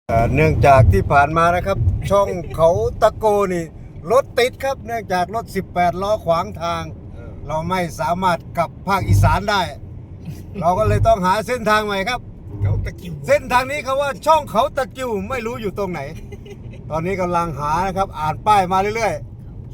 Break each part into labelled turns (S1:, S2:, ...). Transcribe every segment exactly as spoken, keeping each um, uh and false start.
S1: เอ่อเนื่องจากที่ผ่านมานะครับ ช่องเขาตะโกนี่รถติดครับเนื่องจากรถสิบแปดล้อขวางทาง เราไม่สามารถกลับภาคอีสานได้ เราก็เลยต้องหาเส้นทางใหม่ครับ
S2: เขาตะกิ้ว
S1: เส้นทางนี้เขาว่าช่องเขาตะกิ้วไม่รู้อยู่ตรงไหน ตอนนี้กำลังหานะครับอ่านป้ายมาเรื่อยๆ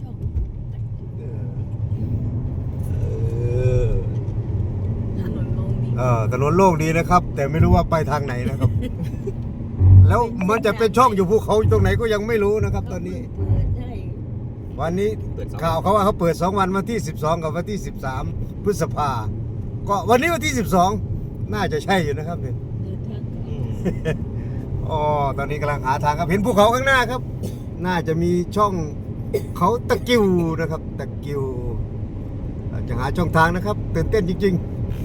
S3: ถนนโล่งดี
S1: เออถนนโล่งดีนะครับ แต่ไม่รู้ว่าไปทางไหนนะครับ แล้วมันจะเป็นช่องอยู่ภูเขาอยู่ตรงไหนก็ยังไม่รู้นะครับ ตอนนี้
S3: เปิดได้
S1: วันนี้ข่าวเขาว่าเขาเปิดสองวันวันที่สิบสองกับวันที่สิบสามพฤษภาก็วันนี้วันที่สิบสองน่าจะใช่อยู่นะครับเนี่ย
S3: เดินทางไกล
S1: อ๋อตอนนี้กำลังหาทางครับเห็นภูเขาข้างหน้าครับ น่าจะมีช่องเขาตะกิ้วนะครับตะกิ้วจะหาช่องทางนะครับตื่นเต้นจริงๆ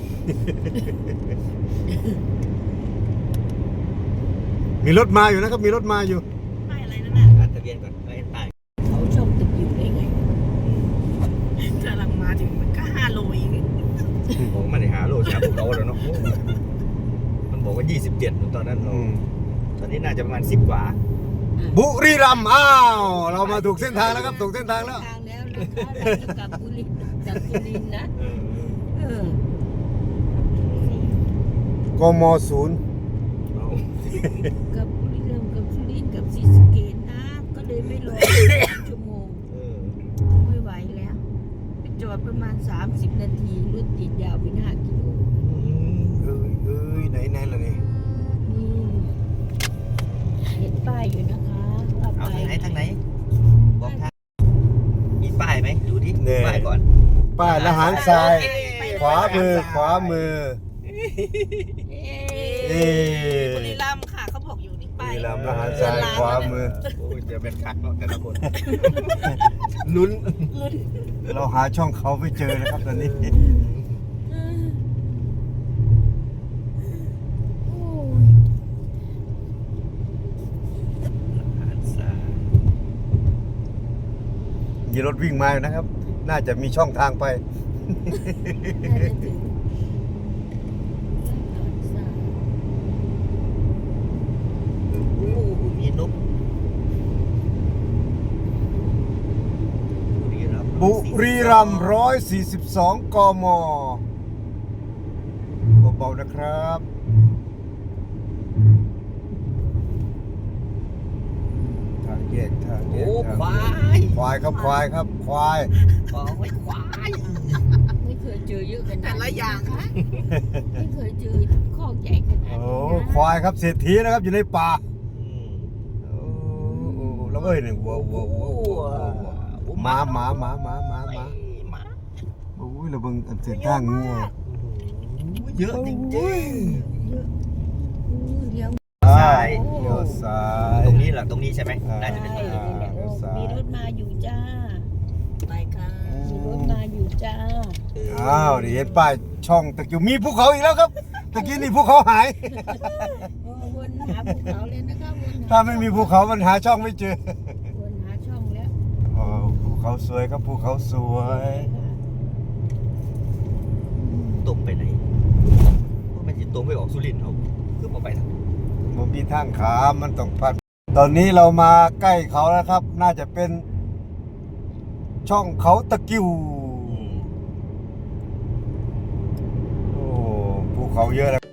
S1: มีรถมาอยู่นะครับมีรถมาอยู่
S3: ป้ายอะไรนั่นน่ะ
S2: อ่านทะเบียนก่อนไม่ตาย
S3: เขาช่องตึกอยู่ได้ไงกำลังมาถึงมันก็ห้าโลเอง
S2: ผมไม่ได้หาโลดจากภูเขาแล้วเนาะมันบอกว่ายี่สิบเจ็ดตอนนั้นเราตอนนี้น่าจะประมาณสิบกว่า
S1: บุรีรัมย์อ้าวเรามาถูกเส้นทางแล้วครับถูกเส้นทางแล้ว
S3: ทางแล้วนะคะเราจะกลับบุรีจากสุรินทร์นะ
S2: เออ
S3: เออก
S1: มศูนย์
S2: เอา
S3: กับบุรีรัมย์กับสุรินทร์กับศรีสะเกษนะก็เลยไม่รอชั่วโมง
S2: เออ
S3: ไม่ไหวแล้วไปจอดประมาณสามสิบนาทีรถติดยาวเป็นห้ากิโล
S1: เอ้ยเอ้ยไหนไหนล่ะนี่
S3: นี่เห็นป้ายอยู่นะคะว่า
S2: เอา
S3: ไป
S2: ทางไหนทางไหนบอกทางมีป้ายไหมดูดิ
S1: เนี่ย
S2: ป้ายก่อน
S1: ป้ายละหารทราย ขวามือขวามือ
S3: เอ๊
S1: เอ๊ะ
S3: บุรีรัมย์ค่ะเขาบอกอยู่นี่
S1: บุ
S3: ป้าย
S1: รีรัมย์ละหารทรายขวามือ
S2: โอ้ยจะเป็นคักเนาะแต่ละคน
S1: ลุ้น
S3: ลุ้น
S1: เราหาช่องเขาไม่เจอนะครับตอนนี้
S3: โอ้ย
S2: อ่านซะ
S1: มีรถวิ่งมาอยู่นะครับ น่าจะมีช่องทางไป
S3: น่าจะถึง
S2: โอ้โหมีนกบุรีรัมย์
S1: บุรีรัมย์ร้อยสี่สิบสองกมเบาๆนะครับทางแยกทางแย
S2: โอ้
S1: กทาง
S2: ควา
S1: แยก
S2: ย
S1: ควายครับควายครับควาย
S2: ขอไว้ควาย
S3: ไม่เคยเจอเยอะขนาดแต่ละอย่างคะไม่เคยเจอข้อใหญ่ขนาด
S1: โอ้
S3: นี้นะ
S1: ควายครับเศรษฐีนะครับอยู่ในป่า
S2: อืม
S1: โอ้โอ้แล้วเอ้ยเนี่ยวัววัววัววัววัวหมาหมาหมาหมาหมาหมา
S2: หมา
S1: โอ้ยเราเบิ่งอันเส้นทางงัว
S2: เยอะจริง
S3: เยอะอู้เลี้ยว
S1: ซ้ายเลี้ยวซ้า
S2: ๆ
S1: ย
S2: ตรงนี้เหรอตรงนี้ใช่ไหม
S1: อ่า
S2: น่าจะเป็นตรงนี้
S3: ใช่
S1: เลี้ยวซ้าย
S3: มีรถมาอยู่จ้า ไปค่ะมีรถมาอยู่จ้า
S1: อ้าวนี่เห็นป้ายช่องตะกี้มีภูเขาอีกแล้วครับตะกี้นี่ภูเขาหาย
S3: โอ้วนหาภูเขาเลยนะคะวนห
S1: ถ้าไม่มีภูเขามันหาช่องไม่เจอ
S3: วนหาช่องแล้ว
S1: อ๋อภูเขาสวยครับภูเขาสวย
S2: ตรงไปไหนว่ามันจะตรงไปออกสุรินทร์เอาคือมาไปทาง
S1: มันมีทางขามมันต้องพันตอนนี้เรามาใกล้เขาแล้วครับ น่าจะเป็น ช่องเขาตะกิ้ว
S2: อืม
S1: โอ้ภูเขาเยอะแล้ว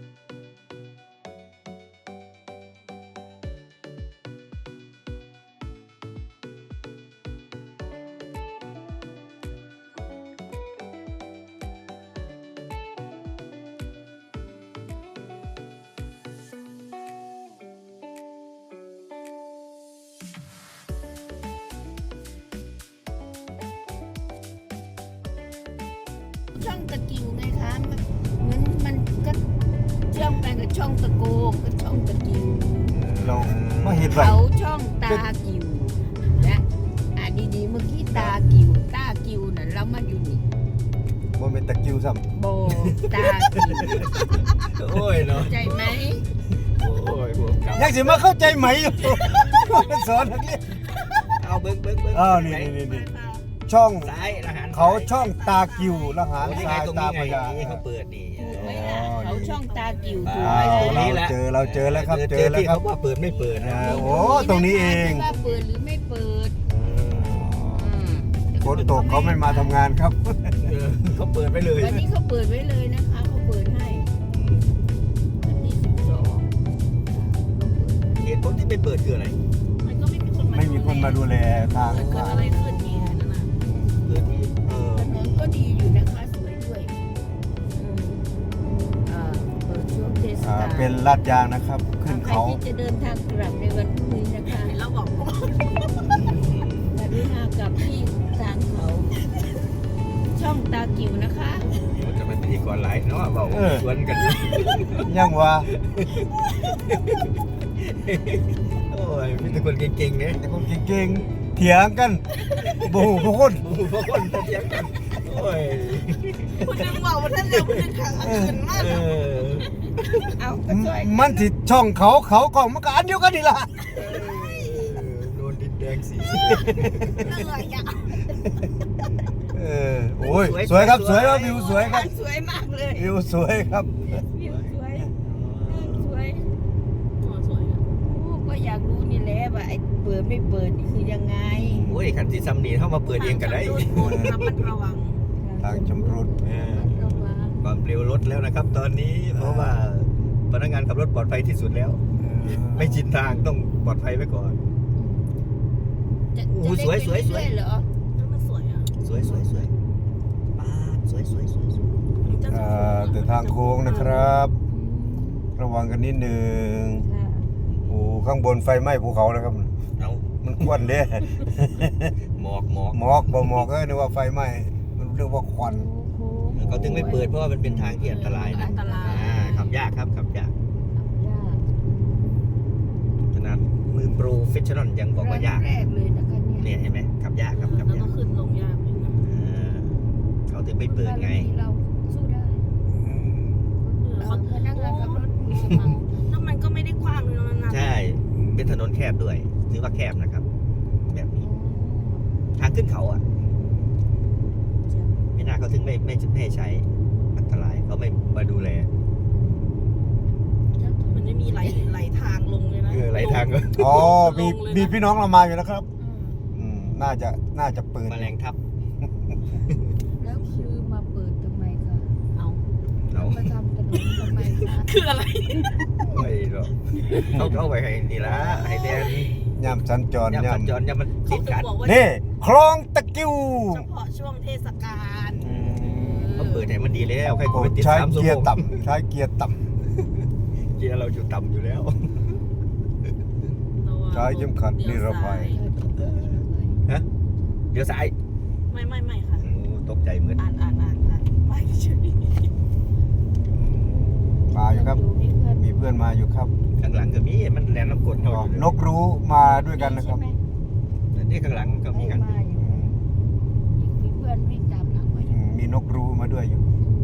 S3: ช่องตะกิวไงคะมันเหมือนมันก็เชื่อมกันกับช่องตะโกกับช่องตะกิว
S1: เราไม่เห็นไร
S3: เขาช่องตากิวและอ่ะดีๆเมื่อกี้ตากิวตากิวน่ะเรามาอยู่นี่
S1: มันเป็นตะกิ้วซ้
S3: โบตากิว
S2: โอ้ยเนาะ
S3: ใจไหม
S2: โอ้ยบวกกลับ
S1: ำยังสิมาเข้าใจไหมอยู่ สอนนักเรียน
S2: เอาเบิ้งเบิ้งเบิ้ง
S1: อ้าวนี่นี่นี่ช่อง
S2: ซ้ายอาหาร
S1: เขาช่องตากิวละหาร
S2: โอ้นี่
S1: ท
S2: ไง
S1: ราย
S2: ตรง
S1: ตา
S2: นี้
S1: พ
S2: ไง
S1: ญา
S2: นี่เขาเปิดนี่
S3: ภูไหมล่ะเขาช่องตากิ่วถูก
S1: อ้า
S3: ไหม
S1: ว
S3: ล่ะ
S1: เราเจอเราเจอแล้วครับเจอแล้ว
S2: ที่
S1: ครั
S2: เขา
S1: บ
S2: ว่าเปิดไม่เปิดนะ
S1: อ่าโอ้ตรงนี้เอง
S3: ว่าเปิดหรือไม่เปิด
S1: ฝนตกเขาไม่มาทำงานครับ
S2: เออเขาเปิดไปเลย
S3: วันนี้เขาเปิดไว้เลยนะคะเขาเปิดให้วันที่สิบสอง
S2: เหตุผลที่ไม่เปิดคืออะไร
S4: มันก็ไม่มีคนมา
S1: ไม่มีคนมาดูแลทาง
S4: มันเกิดอะไรขึ้นเนี่ยนั่นน่ะ
S2: เกิดที่เออ
S3: ถนนก็ดีอยู่นะคะสวยด้วยอืมอ่าเปิดช่วงเทศ
S1: อ่าก
S3: าล
S1: เป็นลาดยางนะครับ ขึ้น
S3: ใคร
S1: เขา
S3: ที่จะเดินทางกลับในวันพรุ่งนี้นะคะ
S4: เห็นแล้วบอกว่า
S3: กรุณากลับที่ทางเขา ช่องตากิ่วนะคะ
S2: มันจะเป็นพิธีกรหลายเนาะเบาชวนกัน
S1: ยังว่า
S2: โอ้ยมีแต่คนเก่งๆเนี่ย
S1: แต่คนเก่งๆเถียงกันโอ้โหพวกคน
S2: โอ้โหพวกคนเถียงกันโอ้ย
S4: คุณนึงบอกว่าท่านเร็วคุณนึงขังอื่นมาก
S2: เออ
S3: เอาก็ช่วยกั
S1: มันติดช่องเขาเขากล่องมันก็อันเดียวกันนี่ล่ะ
S2: โดนดินแดงสี
S4: เหนื่อยอ่ะ
S1: เออโอ้ยสวยครับสวยครับวิวสวยครับ
S3: สวยมากเลย
S1: วิวสวยครับ
S3: วิวสวยสวย
S4: โอ้สวยอ่ะ
S3: โอ้ก็อยากรู้นี่แหละว่าไอ้เปิดไม่เปิดนี่คือยังไง
S2: โอ้ยขันที่ซัมนีเข้ามาเปิดเองกันได้
S4: ทางชำรุดระมัดระวัง
S1: ทางชำรุด
S2: เออ
S3: ระวัง
S2: ความเร็วลดแล้วนะครับ ตอนนี้เพราะว่าพนักงานขับรถปลอดภัยที่สุดแล้ว ไม่ชินทางต้องปลอดภัยไว้ก่อน
S3: จะ
S2: โอ้
S3: จะ
S2: สวย
S3: เล่น
S2: สวยสวย
S3: ไปเรื่อเหรอ
S4: นั่นมันสวยอ่ะ
S2: สวยสวยสวยป้าดสวยสวยสวยสวย
S4: มันจะ
S1: อ่าแต่ทางโค้งนะครับ ระวังกันนิดนึง
S3: ค่ะ
S1: โอ้ข้างบนไฟไหม้ภูเขาแล้วครับ
S2: เอา
S1: มันควันเด้
S2: หมอกหมอก
S1: หมอกบ่หมอกเอ้ยนึกว่าไฟไหม้มันเรียกว่าควัน
S3: โค้ง
S2: เขาถึงไม่เปิดเพราะว่ามันเป็นทางที่อันตรายนะ
S4: อันตราย
S2: อ่าขับยากครับขับยาก
S3: ยาก
S2: ขนาดมือโปรเฟชชั่นอลยังบอกว่ายาก
S3: แรกเลยนะคะเนี่ย
S2: เนี่ยเห็นไหมขับยากครับขับ
S4: แล้ว
S2: ยา
S4: ก็
S2: ก
S4: ขึ้นลงยากเลยนะ
S2: อ่าเขาถึงไม่เปิดไง
S3: เราสู้ได้
S4: เขา
S3: พนักงานขับรถมีสมัง
S4: แล้วมันก็ไม่ได้กว้างเลยนะ
S2: ใช่ เป็นถนนแคบด้วยถือว่าแคบนะครับ แบบนี้ ทางขึ้นเขาอ่ะไม่น่าเขาถึงไม่ไม่ไม่ให้ใช้อันตรายเขาไม่มาดูแล
S4: มันจะมีไหลไหลทางลงเลยนะ
S2: เออไหลทางก็
S1: อ๋อมีมีพี่น้องเรามาอยู่นะครับ อืมน่าจะน่าจะเปิด
S2: แมลงทับ
S3: แล้วคือมาเปิดทำไมคะ
S4: เอา
S2: เรา
S3: มาทำถนนทำไมคะ
S4: คืออะไร
S2: ไม่หรอกเขาเขาไว้ให้นี่ละให้แดน
S1: ย่ำสัญจร
S2: ย่ำสัญจ
S1: ย่ำ
S2: รย่ำมัน
S4: เขา
S2: ติด
S4: ถึง
S2: กัน
S4: บอกว่า
S1: นี่คลองตะกิ้ว
S4: เฉพาะช่วงเทศกาล
S2: เขาเปิดให้มันดีแล้วใคร
S1: โอ้
S2: ก็ไปติด
S1: ใช้
S2: สามชั่ว
S1: เกีย
S2: โม
S1: ร์
S2: ง
S1: ต่ำใช้เกียร์ต่
S2: เกียร์เราอยู่ต่ำอยู่แล้ว
S1: ำใช้เข็มขัดนิรภัย
S2: ฮะเดี๋ยวซ้าย
S4: ไม่ไม่ไม่ค่ะ
S2: โอ้ตกใจเหมือน
S4: อ่านอ่านอ่านอ่านไปเฉย
S1: มาอยู่ครับ
S3: มีเพื่อน
S1: มีเพื่อนมาอยู่ครับ
S2: ข้างหลังก็มีมันแลนน้ำกรดเขาอยู่
S1: นกรู้มาด้วยกันนะครับ
S3: ใช่ไหม
S2: นี่ข้างหลังก็มีกัน
S3: มาอยู่มีเพื่อนวิ่งตามหลังมาอ
S1: อื
S3: ยู่
S1: มมีนกรู้มาด้วยอยู่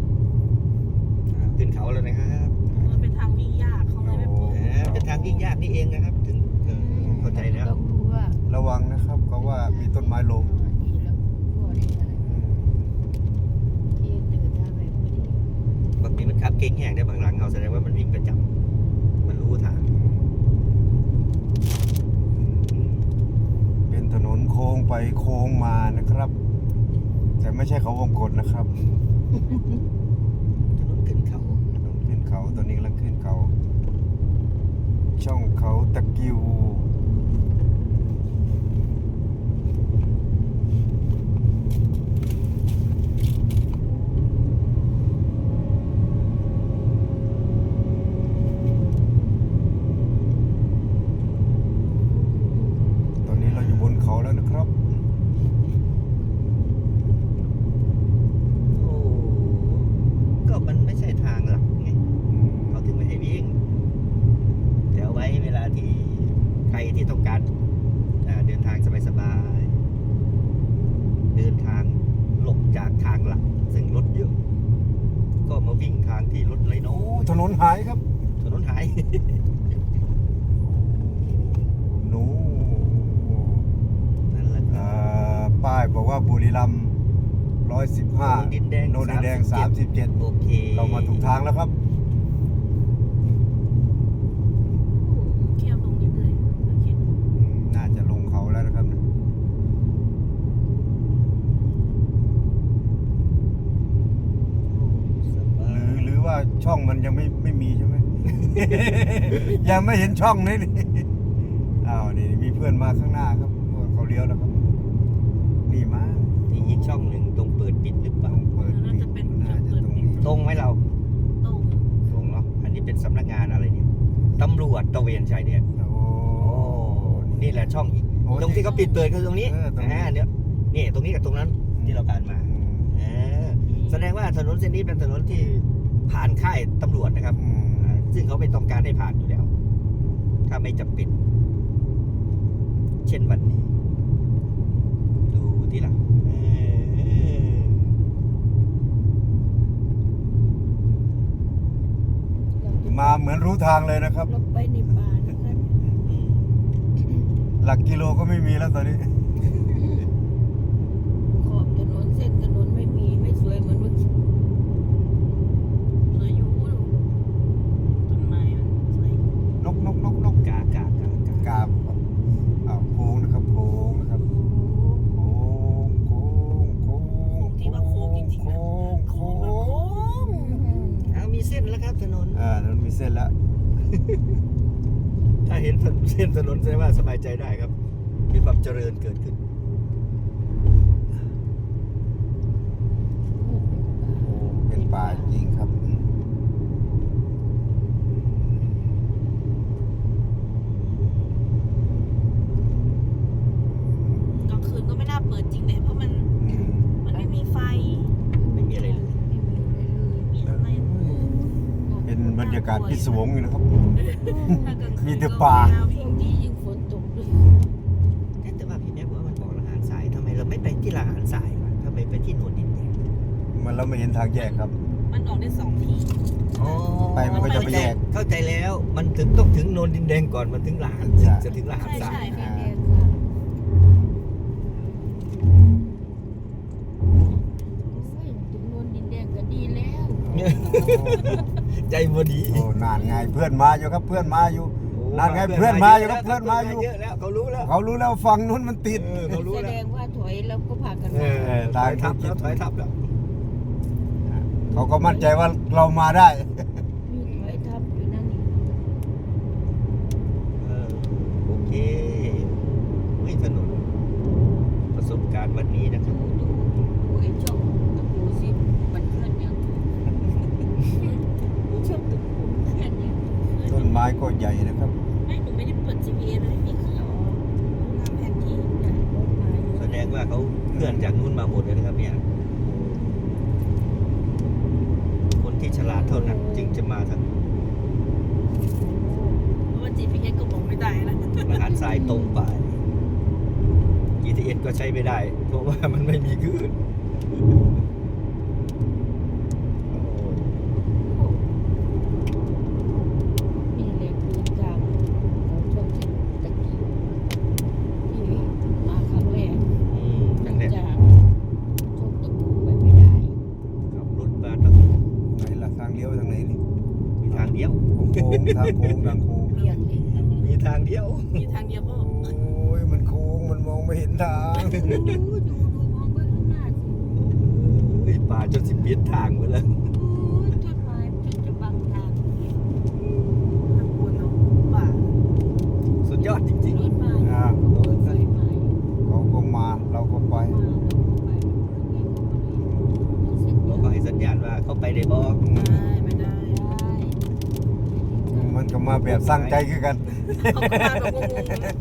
S2: ขึ้นเขาแล้วนะครับ
S4: มันเป็นทางวิ่งยากเขาเลยไม่ปลูก
S2: เออเป็นทางยิ่งยากนี่เองนะครับ ถึงเออเข้าใจแล้ว
S3: ต้องรู้ว่า
S1: ระวังนะครับเขาว่ามีต้นไม้ล้ม
S3: อ่าดีแล้วพ่อได้ได้ที่เดินทางไปพอดี
S2: บางทีมันขับเก่งแห้งได้บางหลังเขาแสดงว่ามันวิ่งประจำมันรู้ทาง
S1: เป็นถนนโค้งไปโค้งมานะครับ แต่ไม่ใช่เขาวงกฏนะครับ
S2: ถนนขึ้นเขา
S1: ถนนขึ้นเขาตอนนี้กำลังขึ้นเขา ช่องเขาตะกิ้วตอนนี้เราอยู่บนเขาแล้วนะครับ
S2: โอ้ก็มันไม่ใช่ทางหลักไงเขาถึงไม่ให้วิ่งแต่เอาไว้เวลาที่ใครที่ต้องการอ่าเดินทางสบายๆเดินทางหลบจากทางหลักซึ่งรถเยอะ ก็มาวิ่งทางที่รถน้อ
S1: โอ้
S2: ย
S1: ถนนหายครับ
S2: ๆถนนหาย
S1: หนู
S2: นั่นแหละครับ
S1: อ่าป้ายบอกว่าบุรีรัมย์ร้อยสิบห้า
S2: ดินแดง
S1: โนนดินแดงสามสิบเจ็ด
S2: โอเค
S1: เรามาถูกทางแล้วครับ
S4: เคี่ยวลงเรื่อยๆโอเค
S1: อืมน่าจะลงเขาแล้วนะครับ
S2: สบา
S1: หรือย หรือว่าช่องมันยังไม่ไม่มีใช่ไหม ยังไม่เห็นช่องนี่นี่อ้าวนี่มีเพื่อนมาข้างหน้าครับเขาเลี้ยวแล้วครับ นี่มา
S2: ที่อีกช่องหนึ่งตรงเปิดปิดหรือเป
S1: ต้
S2: ล่า
S1: องเปิดปิดน่าจะตรงนี้
S2: ตรงไหมเรา
S4: ตรง
S2: ตรงเนาะอันนี้เป็นสำนักงานอะไรเนี่ยตำรวจตระเวนชายแดน
S1: โอ้
S2: โอ้นี่แหละช่องอีก
S1: โอ้
S2: ตรงที่เขาปิดเปิดคือตรงนี้
S1: เออตรงนี้
S2: อ่าเนี่ยนี่ตรงนี้กับตรงนั้นที่เราผ่านมา
S1: อืม
S2: เออแสดงว่าถนนเส้นนี้เป็นถนนที่ผ่านค่ายตำรวจนะครับ
S1: อืม
S2: อ่าซึ่งเขาไม่ต้องการให้ผ่านอยู่แล้ว ถ้าไม่จำเป็น เช่นวันนี้ ดูที่หลังเออ
S1: มาเหมือนรู้ทางเลยนะครับ
S3: เราไปในป่านะคะ
S2: อืม
S1: หลักกิโลก็ไม่มีแล้วตอนนี้
S3: ขอบถนนเส้นถนนไม่มีไม่สวยเหมือนเมื่อกี้
S4: สวยอยู่ดูต้นไม้มันสวย
S1: นกนกนกนก
S2: กากากากาก
S1: าบอ้าวโค้งนะครับโค้งนะครับโค้งโค้งโค้ง
S4: ที่ว่าโค้งจริงๆนะ
S1: โค้ง
S4: โค้
S1: โค้
S4: ง
S1: ง
S2: อ้าวมีเส้นแล้วครับถนน
S1: อ่านั้นมีเส้นแล้ว
S2: ถ้าเห็นเส้นถนนแสดงว่าสบายใจได้ครับ มีความเจริญเกิดขึ้น
S1: เป็นป่าจริงครับ
S4: กลางคืนก็ไม่น่าเปิดจริงเลยเพราะมัน
S1: อืม
S4: มันไม่มีไฟ
S2: ไม่มีอะไรเลย
S4: มีอะไร
S1: เป็นบรรยากาศพิศวงอยู่นะครับ
S4: ถ้ากลางคืน
S1: มีแต่ป่า
S4: ก็ไม่น่
S3: ช่
S4: วิ่
S3: ว
S4: ง
S3: งนี้ยิ่งฝนตกด้วย
S2: แต่ว่าพี่แม่บอกว่ามันบอกละหารสายทำไมเราไม่ไปที่ละหารสายวะทำไมไปที่โนนดินแดง
S1: มันเราไม่เห็นทางแยกครับ
S4: มันออกได้สองที
S2: อ๋อ
S1: ไปมันก็จะไปแยก
S2: เข้าใจแล้ว มันถึงต้องถึงโนนดินแดงก่อนมันถึงละหารถึงจะถึงละหารสาย
S4: ใช่
S3: แน่
S4: ค่ะ
S3: ๆค่ะ โอ้ยถึงโนนดินแดงก็ดีแล้ว
S2: ใจบดี
S1: โอ้นานไงเพื่อนมาอยู่ครับเพื่อนมาอยู่ นั่นไงเพื่อนมาอยู่ครับเพื่อนมาอยู่
S2: เยอะแล้วเขารู้แล้ว
S1: เขารู้แล้วฝั่งนู้นมันติด
S2: เออเขารู้
S3: แส
S2: แล้ว
S3: ดงว่าถอยแล้วก็พากัน
S2: เอ
S3: มา
S2: อถอยทับแล้วถอยทับแล้ว
S1: เขาก็มั่นใจว่าเรามาได้
S3: มีถอยทับอยู่นั่นนี่
S2: เออโอเคไม่ถนนประสบการณ์วันนี้นะครับ
S3: ดูดูดูไอ้ช่องตะปูสิมันเคลื่อนยังช่องตะปูเคลื่อนยัง
S1: ต้นไม้ก็ใหญ่นะครับ
S4: ไม่หนูไม่ได้เปิด จี พี เอส เลยนี่คือเอาหน้าแผนที่
S3: เนี่ยรถมาอยู่
S2: แสดงว่าเขาเคลื่อนจากนู้นมาหมดเลยนะครับเนี่ย คนที่ฉลาดเท่านั้นจึงจะมาทาง
S4: เพราะว่า จี พี เอส ก็บอกไม่ได้นะ
S2: มหาสายตรงไป จี ที เอส ก็ใช้ไม่ได้ เพราะว่ามันไม่มีคลื่น
S3: มีเหล็กมีกาวของช่องตะกี้ที่มาครั้งแรก
S2: อืมนั่นแหละ
S3: จากช่องตะปูไปไม่ได้
S2: ขับรถมาต้อง
S1: ไหนล่ะทางเลี้ยวไปทางไหนนี่
S2: มีทางเดียว
S1: โค้งทางโค้งทางโค้ง
S3: เปลี่ยนเลย
S2: มีทางเดียว
S4: มีทางเดียวก็
S1: โอ้ยมันโค้งมันมองไม่เห็นทาง
S3: ดูดูดูมองไปข้างหน้าสิ
S2: ไอ้ยป่าจนสิเปลี่ยนทางไปแล้ว
S3: โอ้ยต้นไม้จนจะบังทาง
S4: ทางคนเนาะป่า
S2: สุดยอดจริง
S3: รถมา
S1: อ่า
S3: โอ้ยไฟไหม้
S1: เขาก็มาเราก็ไป
S3: มาเราก็ไปนี่ก็ไม่เสร็จ
S2: ๆเราก็ให้สัญญาณว่าเขาไปได้บอก
S4: ได้ไม่ได้
S3: ได้
S1: มันก็มาแบบสร้างใจคือกัน
S4: เขาก็มาแบบงงๆนะ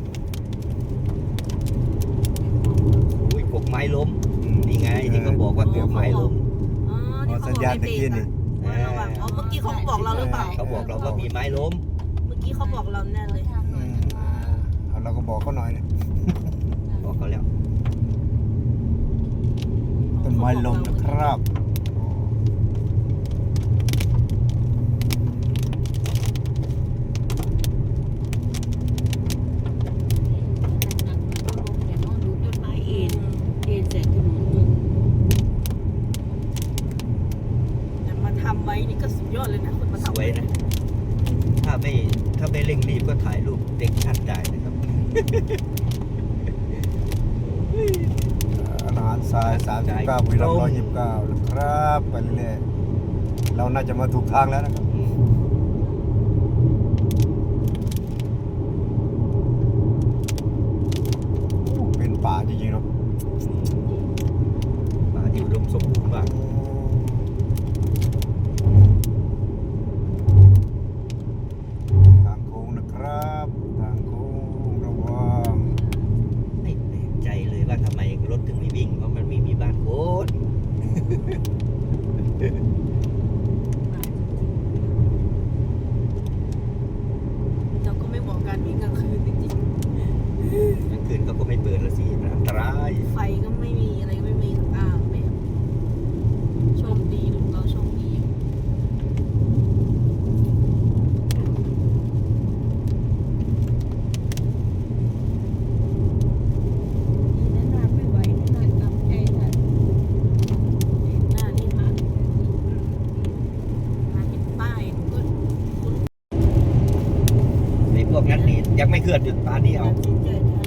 S2: อุ้ยกกไม้ล้ม นี่ไงที่เขาบอกว่ากกไม้ล้ม
S4: อ๋อ
S1: อ๋อ
S4: ที่เขา
S1: สัญ
S4: บอก
S1: ญาณ
S4: ใน
S1: ตะ
S4: เบร
S1: กี้
S4: ก
S1: นี่
S4: อะว่าระวังอ๋อเมื่อกี้เขาบอกเราหรือเปล่า
S2: เขาบอกเราว่ามีไม้ล้ม
S4: เมื่อกี้เขาบอกเราแน่เลย
S3: ทางหน่
S1: อื
S3: อย
S1: มเอาเราก็บอกเขาหน่อยเนี่ย
S2: บอกเขาแล้ว
S1: ต้นไม้ลมนะครับ
S3: หนักๆมันก็ลงเนี่ยเนาะดูต้นไม้เอ็นเอ็นใส่ถนนจน
S1: อาหารทรายสามสิบเก้าบุรีรัมย์ร้อยยี่สิบเก้านะครับไปเรื่อยๆเราน่าจะมาถูกทางแล้วนะครับเป็นป่าจริงๆเนาะ
S2: ป่าที่อุดมสมบูรณ์มาก
S1: ทางโค้งนะครับทางโค้งระวัง
S2: ไม่แปลกใจเลยว่าทำไมรถถึงไม่วิ่งเพราะมันไม่มีบ้านโค้ด
S4: เราก็ไม่บอกการวิ่งกลางคืนจริง
S2: กลางคืนเขาก็ไม่เปิดละสิมันอันตราย
S4: ๆไฟก็ไม่มีอะไรก็ไม่มีสักอ่างแบบโชคดีลุงเราโชคดี
S3: นี่นานไม่ไหวนี่นานกำใจทัน
S4: หน้านี่มามาเห็นป้ายหนูก็คุ้น
S2: ไอ้พวกนั้นนี่ยังไม่เคลื่อนจุดป่านนี้เอา
S3: ตัดสินใจทัน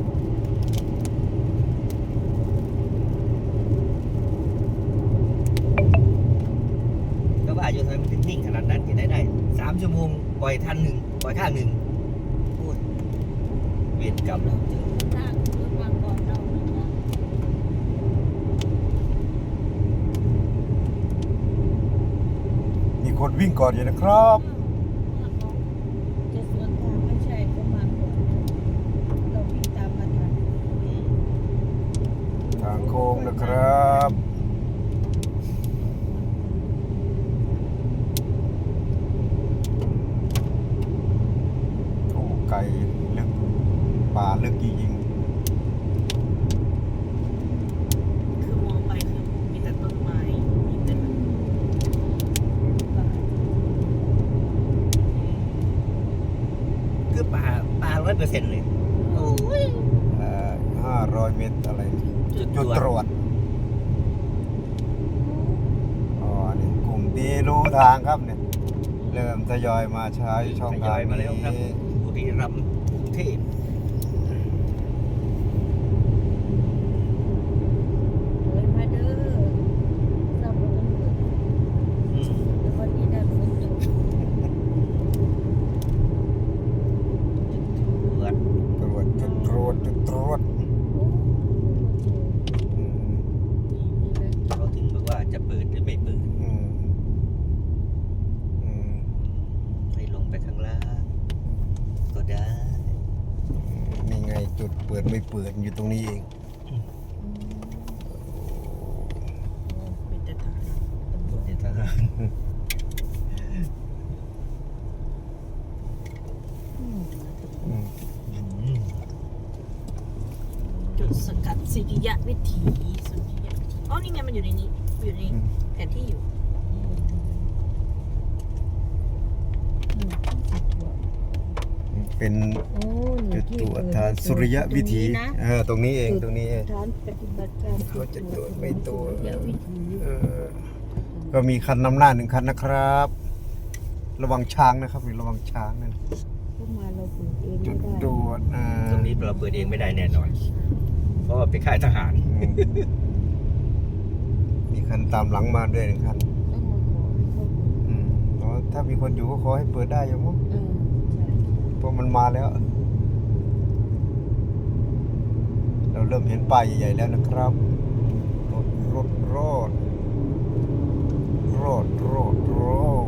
S2: ก็ว่าอยู่ทำไมมันถึงนิ่งขนาดนั้นที่ได้ได้สามชั่วโมงปล่อยทันหนึ่งปล่อยข้างหนึ่งโอ้ยเวรกรรมแล้วเจอ
S3: ทางรถมาก่อนเรานะคะ
S1: มีคนวิ่งก่อนอยู่นะครับ
S3: จะสวนทางไม่ใช่ก็มาก่อนนะเราวิ่งตามมาทัน
S1: ทางโค้งนะครับโอ้ไกลลึกป่าลึกจริง
S4: คือมองไปคือมีแต่ต้นไม้มีแต่แบบ
S2: คือป่าป่าร้อยเปอร์เซ็นต์เลยโอ้ย
S1: ๆห้าร้อยเมตรอะไร
S2: จุด
S1: จุด
S2: ต
S1: ต
S2: ร
S1: ร
S2: ว
S1: ว
S2: จ
S1: จอ๋อนี่กลุ่มที่รู้ทางครับเนี่ย เริ่มทยอยมาใช้ช่อง
S2: ทย
S1: ทา
S2: อง ยมาแล้วครับ
S1: นี้
S2: บุรีรัมย์กรุงเทพ
S3: เลยมาเด้อสำหรับวันเกิด
S2: อืม
S3: แล้ววันนี้ได้ฝนตก
S2: ตรวจ
S1: ตรวจจุดตรวจจุดตรวจ
S3: โอ้
S1: อืม
S2: เขาถึงบอกว่าจะเปิดหรือไม่เปิด
S1: อืมอืม
S2: ให้ลงไปข้างล่างก็ได้
S1: นี่ไงจุดเปิดไม่เปิดอยู่ตรงนี้เอง
S4: เป็นแต่ทาง
S2: ตำรวจในทหาร
S3: อืม
S1: อืม
S2: อืม
S4: จุดสกัดสิริยะวิถีสุริยะวิถีอ๋อนี่ไงมันอยู่ในนี้อยู่ในแผนที่อยู่
S1: เป็น
S3: โอ้
S1: จุดตรวจทางสุริยะวิถีเออตรงนี้เองตรงนี้เอง
S3: ฐานปฏิบัติการ
S1: เขาจะตรวจไม่ตรวจ
S3: สุริยะวิถี
S1: เออก็มีคันนำหน้าหนึ่งคันนะครับ ระวังช้างนะครับระวังช้างนั่น
S3: เข้ามาเราเปิดเอง
S1: จุ
S3: ไม่
S1: ด
S3: ได้
S1: ตรวจอ่า
S2: ตรงนี้เราเปิดเองไม่ได้แน่นอน เพราะว่าเป็นค่ายทหาร
S1: อืมมีคันตามหลังมาด้วยหนึ่งคัน
S3: ต้องมาขอให้เขาเปิด
S1: อืมอ๋อถ้ามีคนอยู่ก็ขอให้เปิดได้อยู่มั้ง
S3: เออใช่
S1: เพราะมันมาแล้ว เราเริ่มเห็นป้ายใหญ่ๆแล้วนะครับ รถรถรถรถรถรถ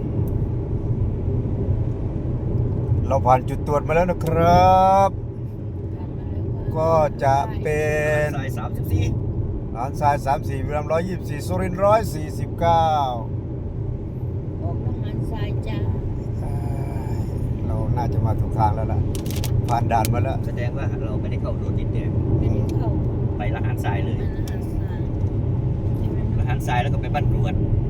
S1: เราผ่านจุดตรวจมาแล้วนะครับ
S3: ผ่านมาแล้ว
S1: ก็จะเป็น
S2: สายสามสิบสี่
S1: หานทรายสามสี่วิรัมร้อยยี่สิบสี่สุรินทร์ร้อยสี่สิบเก้า
S3: ออกน้ำมันทรายจ้า
S1: เราน่าจะมาถูกทางแล้วล่ะ ผ่านด่านมาแล้ว
S2: แสดงว่าเราไม่ได้เข้าโดนดินแดง
S3: ไม่ได้เข้า
S2: ไปละหารทรายเลย
S3: มันอาหารทรายใช่ไหม
S2: ละหารทรายแล้วก็ไปบ้านกรวด
S3: อ